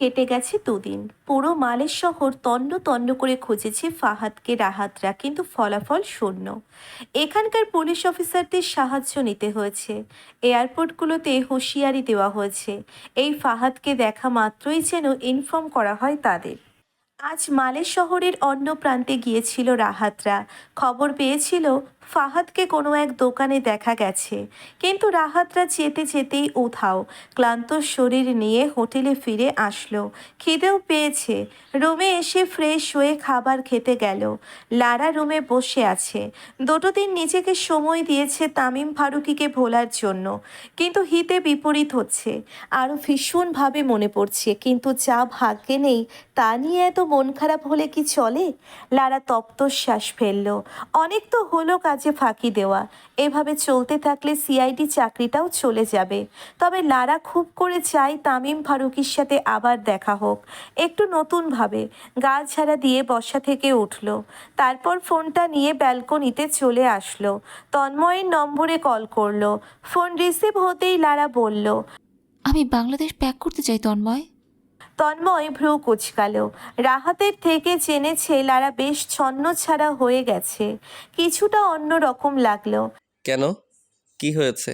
কেটে গেছে দুদিন। পুরো মালের শহর তন্ন তন্ন করে খুঁজেছে ফাহাদকে রাহাতরা, কিন্তু ফলাফল শূন্য। এখানকার পুলিশ অফিসারদের সাহায্য নিতে হয়েছে। এয়ারপোর্টগুলোতে হুঁশিয়ারি দেওয়া হয়েছে, এই ফাহাদকে দেখা মাত্রই যেন ইনফর্ম করা হয় তাদের। আজ মালে শহরের অন্য প্রান্তে গিয়েছিল রাহাতরা। খবর পেয়েছিল ফাহাদকে কোনো এক দোকানে দেখা গেছে, কিন্তু রাহাতরা যেতে যেতেই উধাও। ক্লান্ত শরীর নিয়ে হোটেলে ফিরে আসলো। খিদেও পেয়েছে। রুমে এসে ফ্রেশ হয়ে খাবার খেতে গেল। লারা রুমে বসে আছে। দুটো দিন নিজেকে সময় দিয়েছে তামিম ফারুকিকে ভোলার জন্য, কিন্তু হিতে বিপরীত হচ্ছে। আরও ভীষণভাবে মনে পড়ছে, কিন্তু যা ভাগ্যে নেই তা নিয়ে এত মন খারাপ হলে কি চলে? লারা তপ্ত শ্বাস ফেলল। অনেক তো হলো কাজে ফাঁকি দেওয়া। এভাবে চলতে থাকলে সিআইডি চাকরিটাও চলে যাবে। তবে লারা খুব করে চায় তামিম ফারুকির সাথে আবার দেখা হোক, একটু নতুনভাবে। গা ঝাড়া দিয়ে বসা থেকে উঠল। তারপর ফোনটা নিয়ে ব্যালকনিতে চলে আসলো। তন্ময়ের নম্বরে কল করলো। ফোন রিসিভ হতেই লারা বলল, আমি বাংলাদেশ ব্যাক করতে চাই তন্ময়। তন্ময় ভ্রু কুচকাল। রাহাতের থেকে জেনেছে লারা বেশ ছন্নছাড়া হয়ে গেছে। কিছুটা অন্যরকম লাগলো। কেন? কি হয়েছে?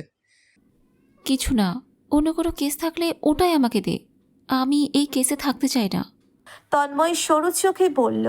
কিছু না, অন্য কোনো কেস থাকলে ওটাই আমাকে দে। আমি এই কেসে থাকতে চাই না। তন্ময় সরু চোখে বলল,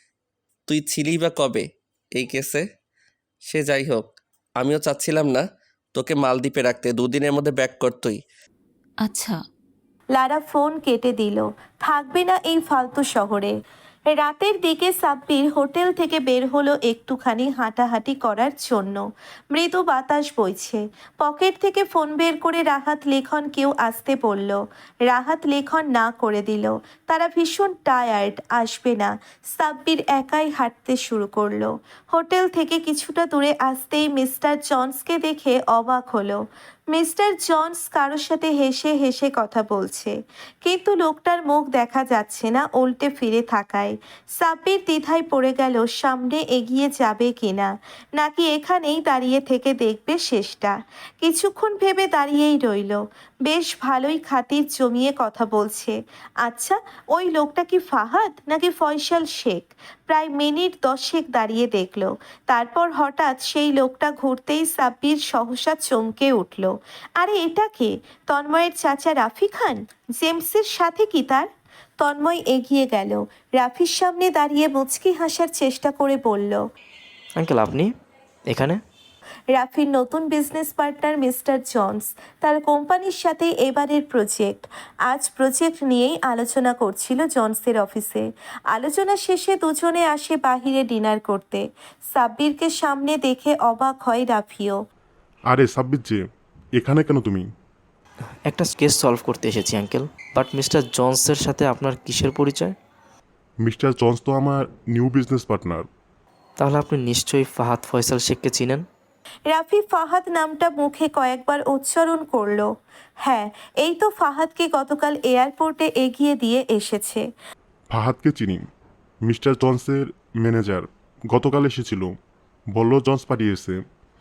তুই ছিলি বা কবে এই কেসে? সে যাই হোক, আমিও চাচ্ছিলাম না তোকে মালদ্বীপে রাখতে, দুদিনের মধ্যে ব্যাক করতই। আচ্ছা। লারা ফোন কেটে দিল। থাকবে না এই ফালতু শহরে। রাতের দিকে সাব্বির হোটেল থেকে বের হলো একটুখানি হাঁটাহাঁটি করার জন্য। মৃদু বাতাস বইছে। পকেট থেকে ফোন বের করে রাহাত লেখন কেউ আসতে বলল। রাহাত লেখন না করে দিল। তারা ভীষণ টায়ার্ড, আসবে না। সাব্বির একাই হাঁটতে শুরু করলো। হোটেল থেকে কিছুটা দূরে আসতেই মিস্টার জনসকে দেখে অবাক হলো। মিস্টার জনস কারোর সাথে হেসে হেসে কথা বলছে, কিন্তু লোকটার মুখ দেখা যাচ্ছে না উল্টে ফিরে থাকায়। সাব্বির দ্বিধায় পড়ে গেল সামনে এগিয়ে যাবে কিনা, নাকি এখানেই দাঁড়িয়ে থেকে দেখবে শেষটা। কিছুক্ষণ ভেবে দাঁড়িয়েই রইল। বেশ ভালোই খাতির জমিয়ে কথা বলছে। আচ্ছা, ওই লোকটা কি ফাহাদ নাকি ফয়সাল শেখ? প্রায় মিনিট 10 দাঁড়িয়ে দেখল। তারপর হঠাৎ সেই লোকটা ঘুরতেই সাব্বির সহসা চমকে উঠল। আরে এটা কে? তন্ময়ের চাচা রাফি খান। জেমসের সাথে কি তার? তন্ময় এগিয়ে গেল। রাফির সামনে দাঁড়িয়ে মুচকি হাসার চেষ্টা করে বলল, আঙ্কেল আপনি এখানে? রাফির নতুন বিজনেস পার্টনার মিস্টার জনস। তার কোম্পানির সাথে এবারের প্রজেক্ট। আজ প্রজেক্ট নিয়েই আলোচনা করছিল জনসের অফিসে। আলোচনা শেষে দুজনে আসে বাহিরে ডিনার করতে। সাব্বিরকে সামনে দেখে অবাক হয় রাফিও। আরে সাব্বির যে, এখানে কেন তুমি? একটা কেস সলভ করতে এসেছি আঙ্কেল। বাট মিস্টার জনসের সাথে আপনার কিসের পরিচয়? মিস্টার জনস তো আমার নিউ বিজনেস পার্টনার। তাহলে আপনি নিশ্চয়ই ফাহাদ ফয়সাল শেখকে চিনেন। রাফি ফাহাদ নামটা মুখে কয়েকবার উচ্চারণ করলো। হ্যাঁ, এই তো ফাহাদকে গতকাল এয়ারপোর্টে এগিয়ে দিয়ে এসেছে। ফাহাদকে চিনি, মিস্টার জনসের ম্যানেজার। গতকাল এসেছিল, বলল জনস পাঠিয়েছে।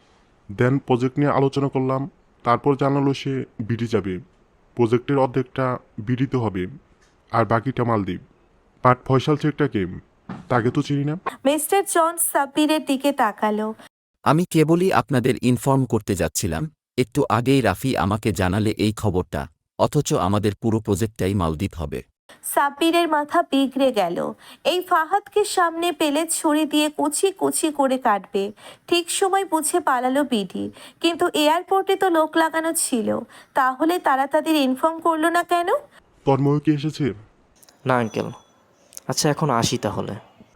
দেন প্রজেক্ট নিয়ে আলোচনা করলাম। তারপর জানালো সে বিডি যাবে। প্রজেক্টের অর্ধেকটা বিডিতে হবে, আর বাকিটা মালদ্বীপ। বাট ফয়সাল শেখটাকে, তাকে তো চিনি না। মিস্টার জনস সাব্বিরের দিকে তাকালো। আমি কেবলই আপনাদের ইনফর্ম করতে যাচ্ছিলাম, একটু আগেই রাফি আমাকে জানালে এই খবরটা, অথচ আমাদের পুরো প্রজেক্টটাই মালদ্বীপ হবে। সাব্বিরের মাথা বিগড়ে গেল। এই ফাহাদকে সামনে পেলে ছুরি দিয়ে কুচি কুচি করে কাটবে। ঠিক সময় বুঝে পালালো বিডি, কিন্তু এয়ারপোর্টে তো লোক লাগানো ছিল। তাহলে তারা তাদের ইনফর্ম করলো না কেন? তন্ময় কি এসেছে? না আঙ্কেল। আচ্ছা এখন আসি তাহলে।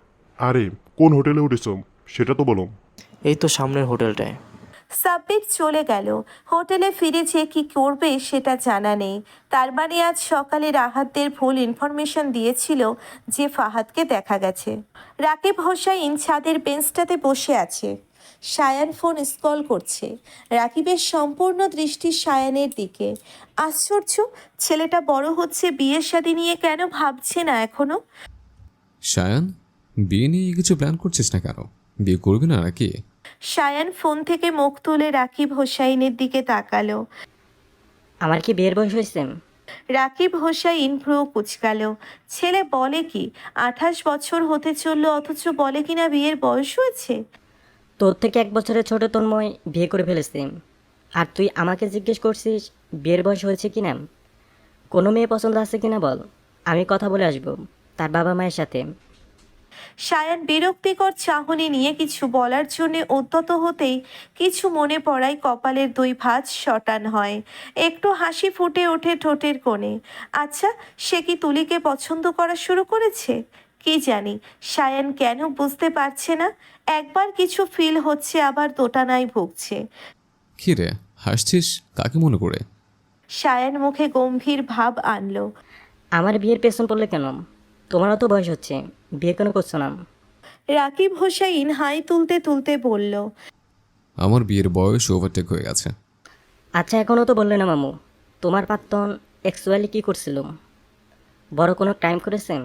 আরে কোন হোটেলে উঠেছ সেটা তো বলো। এই তো সামনের হোটেলটায়। সাব্বির চলে গেল। হোটেলে ফিরে যে কি করবে সেটা জানা নেই। তার মানে আজ সকালে রাহাতদের ভুল ইনফরমেশন দিয়েছিল যে ফাহাদকে দেখা গেছে। রাকিব হোসাইন ছাদের বেঞ্চটাতে বসে আছে। সায়ান ফোন স্কল করছে। রাকিবের সম্পূর্ণ দৃষ্টি সায়ানের দিকে। আশ্চর্য, ছেলেটা বড় হচ্ছে, বিয়ের শাদী নিয়ে কেন ভাবছে না এখনো? সায়ান, বিয়ে নিয়ে কিছু প্ল্যান করছিস না কেন? বিয়ে করবি না নাকি? সায়ান ফোন থেকে মুখ তুলে রাকিব হোসাইনের দিকে তাকালো। আমার কি বিয়ের বয়স হয়েছে? রাকিব হোসাইন ভ্রু কুচকাল। ছেলে বলে কি? 28 বছর হতে চললো অথচ বলে কিনা বিয়ের বয়স হয়েছে। তোর থেকে 1 বছরের ছোট তন্ময় বিয়ে করে ফেলেছে, আর তুই আমাকে জিজ্ঞেস করছিস বিয়ের বয়স হয়েছে কিনা? কোনো মেয়ে পছন্দ আছে কিনা বল, আমি কথা বলে আসবো তার বাবা মায়ের সাথে। সায়ান বিরক্তিকর চাহনি নিয়ে কিছু বলার জন্য উদ্যত হতেই কিছু মনে পড়ায় কপালের 2 ভাঁজ শটান হয়। একটু হাসি ফুটে ওঠে ঠোঁটের কোণে। আচ্ছা, সে কি তুলিকে পছন্দ করা শুরু করেছে? কি জানি, সায়ান কেন বুঝতে পারছে না। একবার কিছু ফিল হচ্ছে, আবার দোটানায় ভুগছে। কী রে হাসছিস, কাকে মনে করে? সায়ান মুখে গম্ভীর ভাব আনলো। আমার বিয়ের পেছন পড়লে কেন? তোমারও তো বয়স হচ্ছে, বিয়ে কেন করছো না? রাকিব হোসাইন হাই তুলতে তুলতে বলল। আমার বিয়ের বয়স ওভারটেক হয়ে গেছে। আচ্ছা, এখনও তো বললে না মামু, তোমার প্রাক্তন অ্যাকচুয়ালি কী করছিল? বড় কোনো ক্রাইম করেছেন?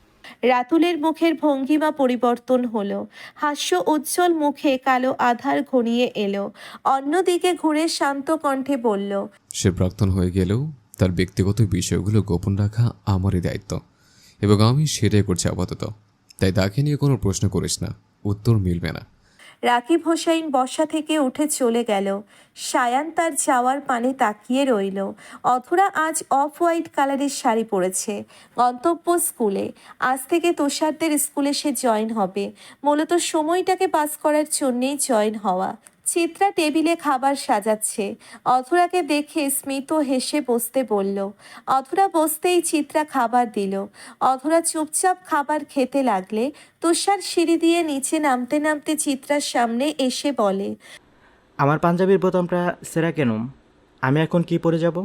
রাতুলের মুখের ভঙ্গিমা পরিবর্তন হলো। হাস্য উজ্জ্বল মুখে কালো আধার ঘনিয়ে এলো। অন্যদিকে ঘুরে শান্ত কণ্ঠে বলল। সে প্রাক্তন হয়ে গেলেও তার ব্যক্তিগত বিষয়গুলো গোপন রাখা আমারই দায়িত্ব, এবং আমি সেটাই করছি আপাতত। তাই তাকে নিয়ে কোনো প্রশ্ন করিস না, উত্তর মিলবে না। রাকিব হোসাইন বসা থেকে উঠে চলে গেল। সায়ান তার যাওয়ার পানে তাকিয়ে রইল। অধরা আজ অফ হোয়াইট কালারের শাড়ি পরেছে। গন্তব্য স্কুলে। আজ থেকে তুষারদের স্কুলে সে জয়েন হবে। মূলত সময়টাকে পাস করার জন্যেই জয়েন হওয়া। চিত্রা টেবিলে খাবার সাজাচ্ছে। অধরাকে দেখে স্মিত হেসে বসতে বলল। অধরা বসতেই চিত্রা খাবার দিল। অধরা চুপচাপ খাবার খেতে লাগলে তুষার সিঁড়ি দিয়ে নিচে নামতে নামতে চিত্রার সামনে এসে বলে। আমার পাঞ্জাবির বোতামটা ছেঁড়া কেন? আমি এখন কি পরে যাব?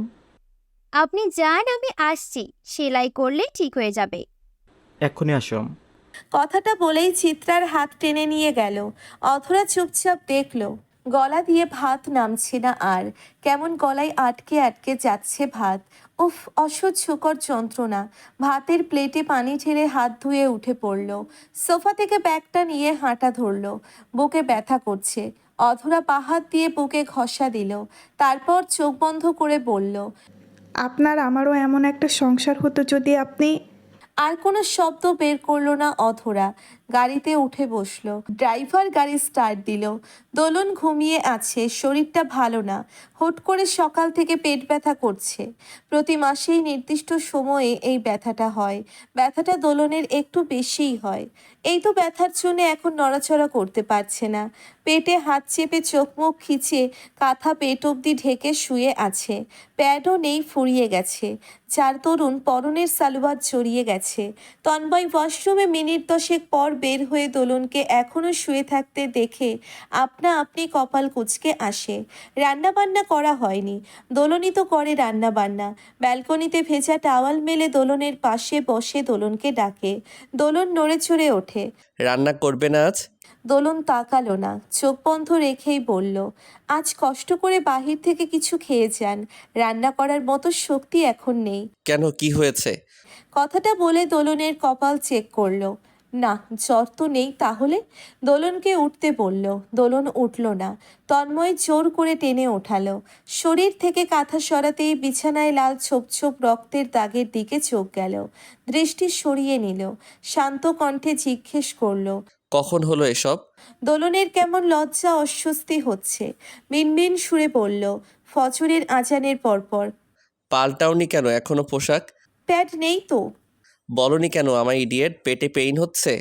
আপনি যান, আমি আসছি, সেলাই করলে ঠিক হয়ে যাবে। এক্ষুনি আসো। কথাটা বলেই চিত্রার হাত টেনে নিয়ে গেল। অধরা চুপচাপ দেখল। গলা দিয়ে ভাত নামছে না আর। কেমন গলায় আটকে আটকে যাচ্ছে ভাত। উফ, অসহ্যকর যন্ত্রণা। ভাতের প্লেটে পানি ঢেলে হাত ধুয়ে উঠে পড়ল। সোফা থেকে ব্যাগটা নিয়ে হাঁটা ধরল। বুকে ব্যথা করছে। অধরা বাহাত দিয়ে বুকে ঘষা দিল। তারপর চোখ বন্ধ করে বলল। আপনার আমারও এমন একটা সংসার হতো যদি আপনি। আর কোনো শব্দ বের করলো না অধরা। গাড়িতে উঠে বসলো। ড্রাইভার গাড়ি স্টার্ট দিল। দোলন ঘুমিয়ে আছে, শরীরটা ভালো না। হুট করে সকাল থেকে পেট ব্যথা করছে। প্রতি মাসেই নির্দিষ্ট সময়ে এই ব্যথাটা হয়। ব্যথাটা দোলনের একটু বেশিই হয়। এই তো ব্যথার জন্য এখন নড়াচড়া করতে পারছে না। পেটে হাত চেপে চোখ মুখ খিচে কাঁথা পেট অবধি ঢেকে শুয়ে আছে। প্যাডও নেই, ফুরিয়ে গেছে। চার তরুণ পরনের সালোয়ার জড়িয়ে গেছে। তন্ময় ওয়াশরুমে মিনিট 10 পর বের হয়ে দোলনকে এখনো শুয়ে থাকতে দেখে আপনা আপনি কপাল কুঁচকে আসে। রান্না বান্না করা হয়নি। দোলনই তো করে রান্না বান্না। ব্যালকনিতে ভেজা টাওয়াল মেলে দোলনের পাশে বসে দোলনকে ডাকে। দোলন নড়ে চড়ে ওঠে। রান্না করবে না আজ? দোলন তাকালো না, চোখ বন্ধ রেখেই বলল। আজ কষ্ট করে বাহির থেকে কিছু খেয়ে যান। রান্না করার মতো শক্তি এখন নেই। কেন, কি হয়েছে? কথাটা বলে দোলনের কপাল চেক করলো। না, জ্বর তো নেই। তাহলে দোলনকে উঠতে বলল। দোলন উঠল না। তন্ময় জোর করে টেনে ওঠালো। শরীর থেকে কাঁথা সরাতেই বিছানায় লাল ছোপ ছোপ রক্তের দাগের দিকে চোখ গেল। দৃষ্টি সরিয়ে নিল। শান্ত কণ্ঠে জিজ্ঞেস করলো। কখন হলো এসব? দোলনের কেমন লজ্জা অস্বস্তি হচ্ছে। মিনমিন সুরে বলল। ফজরের আজানের পরপর। পাল্টাওনি কেন এখনো পোশাক? প্যাড নেই তো। বলনি কেন আমার ইডিয়েট, পেটে পেইন হচ্ছে?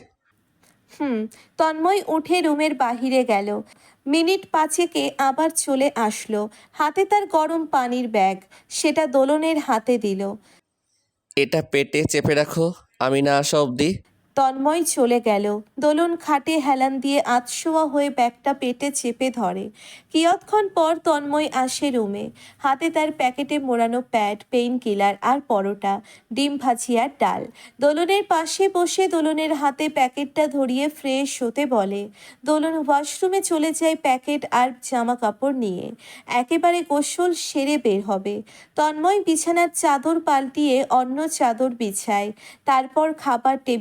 তন্ময় উঠে রুমের বাহিরে গেল। মিনিট 5 আবার চলে আসলো। হাতে তার গরম পানির ব্যাগ। সেটা দোলনের হাতে দিল। এটা পেটে চেপে রাখো, আমি না আসা অবধি। তন্ময় চলে গেল। দোলন খাটে হেলান দিয়ে আতশোয়া হয়ে ব্যাগটা পেটে চেপে ধরে। কিয়ৎক্ষণ পর তন্ময় আসে রুমে। হাতে তার প্যাকেটে মোড়ানো প্যাড, পেইন কিলার আর পরোটা, ডিম ভাজি আর ডাল। দোলনের পাশে বসে দোলনের হাতে প্যাকেটটা ধরিয়ে ফ্রেশ হতে বলে। দোলন ওয়াশরুমে চলে যায় প্যাকেট আর জামা কাপড় নিয়ে। একেবারে গোসল সেরে বের হবে। তন্ময় বিছানার চাদর পাল্টিয়ে অন্য চাদর বিছায়। তারপর খাবার টেবিল থেকে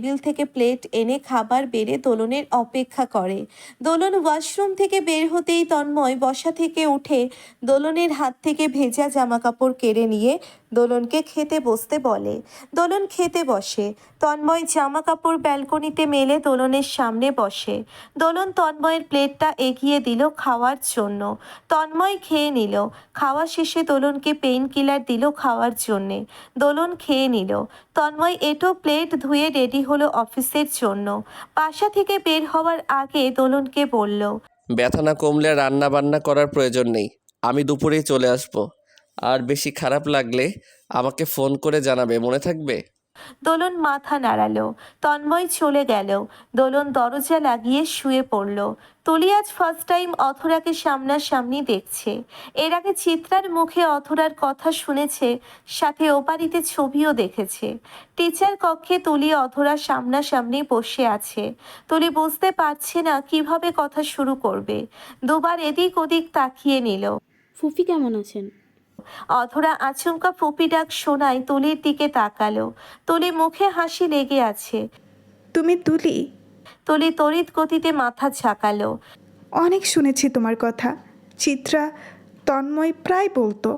প্লেট এনে খাবার বেড়ে দোলনের অপেক্ষা করে। দোলন ওয়াশরুম থেকে বের হতেই তন্ময় বসা থেকে উঠে দোলনের হাত থেকে ভেজা জামাকাপড় কেড়ে নিয়ে দোলনকে খেতে বসতে বলে। দোলন খেতে বসে। তন্ময় জামাকাপড় ব্যালকনিতে মেলে দোলনের সামনে বসে। দোলন তন্ময়ের প্লেটটা এগিয়ে দিল খাওয়ার জন্য। তন্ময় খেয়ে নিল। খাওয়া শেষে দোলনকে পেইন কিলার দিল খাওয়ার জন্যে। দোলন খেয়ে নিল। তন্ময় এটো প্লেট ধুয়ে রেডি হলো অফিসের জন্য। বাসা থেকে বের হওয়ার আগে দোলনকে বলল, ব্যথা না কমলে রান্না বান্না করার প্রয়োজন নেই, আমি দুপুরেই চলে আসব। আর বেশি খারাপ লাগলে আমাকে ফোন করে জানাবে, মনে থাকবে? দোলন মাথা নাড়ালো। তন্ময় চলে গেল। দোলন দরজা লাগিয়ে শুয়ে পড়ল। তুলি আজ ফার্স্ট টাইম অথরাকে সামনাসামনি দেখছে। এর আগে চিত্রার মুখে অথরার কথা শুনেছে, সাথে ও বাড়িতে ছবিও দেখেছে। টিচার কক্ষে তুলি অথরা সামনাসামনি বসে আছে। তুলি বুঝতে পারছে না কিভাবে কথা শুরু করবে। দুবার এদিক ওদিক তাকিয়ে নিল। ফুফি কেমন আছেন? অধরা আচমকা ফুপি ডাক শোনায় তুলির দিকে তাকালো। তুলি মুখে হাসি লেগে আছে। তুমি তুলি? তুলি তড়িৎ গতিতে মাথা ঝাঁকালো। অনেক শুনেছি তোমার কথা। চিত্রা, তন্ময় প্রায় বলতো।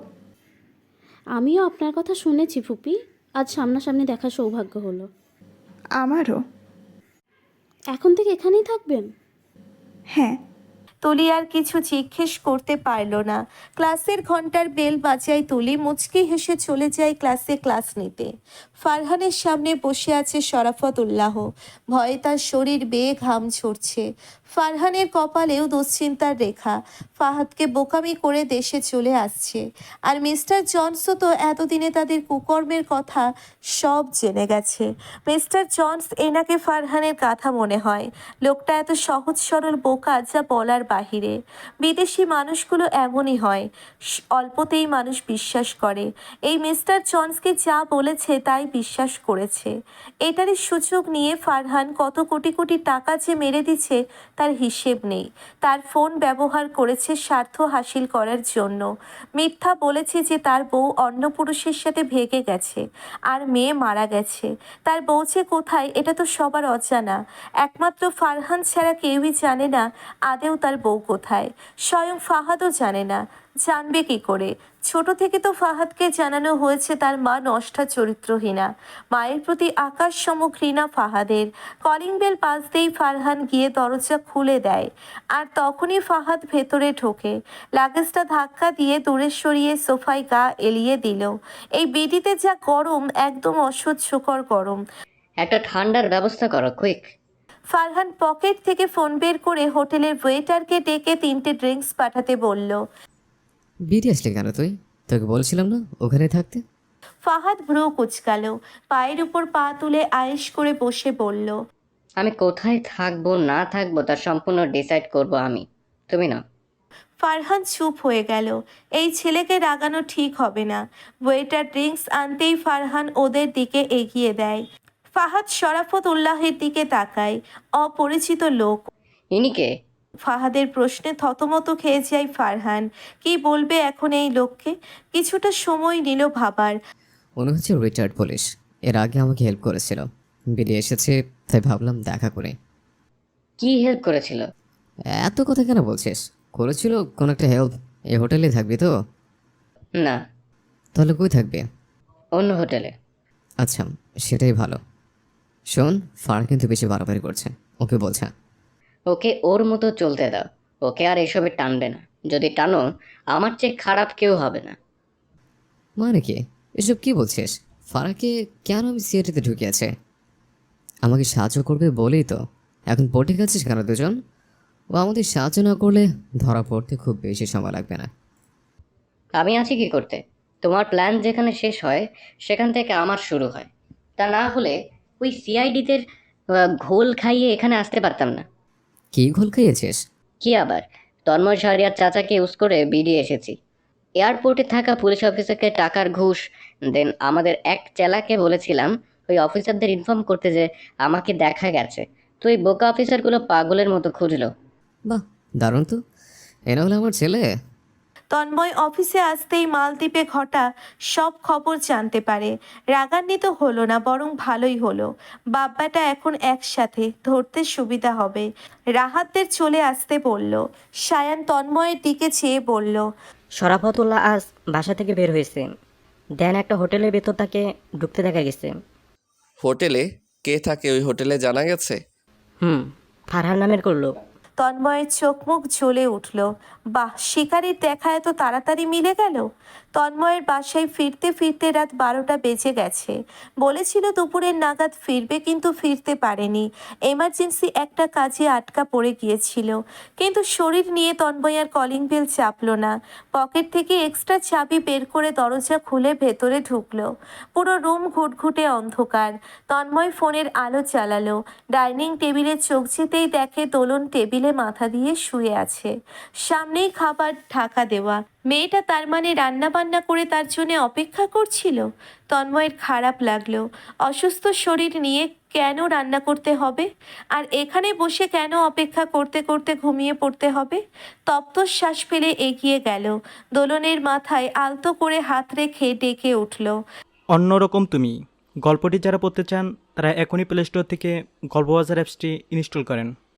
আমিও আপনার কথা শুনেছি ফুপি, আজ সামনাসামনি দেখার সৌভাগ্য হলো। আমারও। এখন থেকে এখানেই থাকবেন? হ্যাঁ। তুলি আর কিছু জিজ্ঞেস করতে পারল না। ক্লাসের ঘন্টার বেল বাজায় তুলি মুচকি হেসে চলে যায় ক্লাস নিতে। ফারহানের সামনে বসে আছে শরাফত উল্লাহ। ভয়ে তার শরীর বেয়ে ঘাম ঝরছে। ফারহানের কপালেও দুশ্চিন্তার রেখা। ফাহাদকে বোকামি করে দেশে চলে আসছে। আর মিস্টার জনসও তো এতদিনে তাদের কুকর্মের কথা সব জেনে গেছে। মিস্টার জনস এনাকে ফারহানের কথা মনে হয়। লোকটা এত সহজ সরল বোকা যা বলার বাহিরে। বিদেশি মানুষগুলো এমনই হয়, অল্পতেই মানুষ বিশ্বাস করে। এই মিস্টার জনসকে যা বলেছে তাই বিশ্বাস করেছে। এটারই সুযোগ নিয়ে ফারহান কত কোটি কোটি টাকা যে মেরে দিচ্ছে তার হিসেব নেই। তার ফোন ব্যবহার করেছে স্বার্থ হাসিল করার জন্য। মিথ্যা বলেছে যে তার বউ অন্য পুরুষের সাথে ভেগে গেছে আর মেয়ে মারা গেছে। তার বউ যে কোথায় এটা তো সবার অজানা। একমাত্র ফারহান ছাড়া কেউই জানে না আদেও তার বউ কোথায়। স্বয়ং ফাহাদও জানে না, জানবে কি করে? ছোট থেকে তো ফাহাদকে জানানো হয়েছে তার মা নষ্টা চরিত্রহীনা। মায়ের প্রতি আকাশ সম ঘৃণা ফাহাদের। কলিং বেল বাজতেই ফারহান গিয়ে দরজা খুলে দেয়। আর তখনই ফাহাদ ভেতরে ঢোকে। লাগেজটা ধাক্কা দিয়ে দূরে সরিয়ে সোফায় গা এলিয়ে দিল। এই বিডিতে যা গরম, একদম অসহ্যকর গরম। একটা ঠান্ডার ব্যবস্থা করো, কুইক। ফারহান পকেট থেকে ফোন বের করে হোটেলের ওয়েটারকে ডেকে 3টে ড্রিঙ্কস পাঠাতে বলল। বিডি আসলে কেন তুই? তোকে বলছিলাম না ওখানে থাকতে? ফাহাদ ভ্রু কুচকাল। পায়ের উপর পা তুলে আয়েশ করে বসে বলল, আমি কোথায় থাকবো না থাকবো তার সম্পূর্ণ ডিসাইড করব আমি, তুমি না। ফারহান চুপ হয়ে গেল। এই ছেলেকে রাগানো ঠিক হবে না। ওয়েটার ড্রিঙ্কস আনতেই ফারহান ওদের দিকে এগিয়ে দেয়। ফাহাদ শরাফত উল্লাহের দিকে তাকায়। অপরিচিত লোক। ইনি কে? ফাহাদের প্রশ্নে থতমত খেয়ে যায় ফারহান। কি বলবে এখন এই লোককে? কিছুটা সময় নিল ভাবার। মনে হচ্ছে রিটায়ার্ড পুলিশ, এর আগে আমাকে হেল্প করেছিল। বেরিয়ে এসেছে তাই ভাবলাম দেখা করে। কি হেল্প করেছিল? এত কথা কেন বলছিস? করেছিল কোনো একটা হেল্প। এই হোটেলে থাকবি তো? না। তাহলে কই থাকবে? অন্য হোটেলে। আচ্ছা, সেটাই ভালো। শোন, ফার কিন্তু বেশি বাড়াবাড়ি করছে, ওকে বলছে। ওকে ওর মতো চলতে দাও, ওকে আর এসবে টানবে না। যদি টানো আমার চেয়ে খারাপ কেউ হবে না। মানে কি এসব কি বলছিস? ফারাকে কেন আমি সিআইডিতে ঢুকিয়েছে? আমাকে সাহায্য করবে বলেই তো। এখন পটে গেছিস কেন দুজন? ও আমাদের সাহায্য না করলে ধরা পড়তে খুব বেশি সময় লাগবে না। আমি আছি কি করতে? তোমার প্ল্যান যেখানে শেষ হয় সেখান থেকে আমার শুরু হয়। তা না হলে ওই সিআইডিতে ঘোল খাইয়ে এখানে আসতে পারতাম না। কি ঘোল খাইয়েছিস? কি আবার? তন্ময় শাহরিয়ার চাচাকে ইউজ করে বেরিয়ে এসেছি। এয়ারপোর্টে থাকা পুলিশ অফিসারকে টাকার ঘুষ, দেন আমাদের এক চেলাকে বলেছিলাম ওই অফিসারদের ইনফর্ম করতে যে আমাকে দেখা গেছে। তো ওই বোকা অফিসারগুলো পাগলের মতো খুঁজলো। বাহ, দারুণ তো। এরা হলো আমার ছেলে। তন্ময় অফিসে আসতেই মালদ্বীপে ঘটা সব খবর জানতে পারে। রাগান্বিত হলো না, বরং ভালোই হলো। বাব্বাটা এখন একসাথে, ধরতে সুবিধা হবে। রাহাতদের চলে আসতে বলল। সায়ান তন্ময়ের দিকে চেয়ে বলল, শরাফতুল্লাহ আজ বাসা থেকে বের হয়েছে। দেন একটা হোটেলের ভেতর তাকে ঢুকতে দেখা গেছে। হোটেলে? কে থাকে ওই হোটেলে জানা গেছে? ফারহান নামের করলো। তন্ময়ের চোখ মুখ জ্বলে উঠল। বাহ, শিকারির দেখা এত তাড়াতাড়ি মিলে গেল। তন্ময়ের বাসায় ফিরতে ফিরতে রাত 12টা বেজে গেছে। বলেছিল দুপুরের নাগাদ ফিরবে, কিন্তু ফিরতে পারেনি। এমার্জেন্সি একটা কাজে আটকা পড়ে গিয়েছিল। কিন্তু শরীর নিয়ে তন্ময় আর কলিং বেল চাপলো না। পকেট থেকে এক্সট্রা চাবি বের করে দরজা খুলে ভেতরে ঢুকলো। পুরো রুম ঘুটঘুটে অন্ধকার। তন্ময় ফোনের আলো চালালো। ডাইনিং টেবিলে চোখ যেতেই দেখে দোলন টেবিলে মাথা দিয়ে শুয়ে আছে। সামনেই খাবার ঢাকা দেওয়া। মেয়েটা তার মানে রান্না বান্না করে তার জন্য অপেক্ষা করছিল। তন্ময়ের খারাপ লাগলো। অসুস্থ শরীর নিয়ে কেন রান্না করতে হবে? আর এখানে বসে কেন অপেক্ষা করতে করতে ঘুমিয়ে পড়তে হবে? তপ্ত শ্বাস ফেলে এগিয়ে গেল। দোলনের মাথায় আলতো করে হাত রেখে ডেকে উঠল। অন্যরকম তুমি। গল্পটি যারা পড়তে চান তারা এখনই প্লে স্টোর থেকে গল্পবাজার অ্যাপসটি ইনস্টল করেন।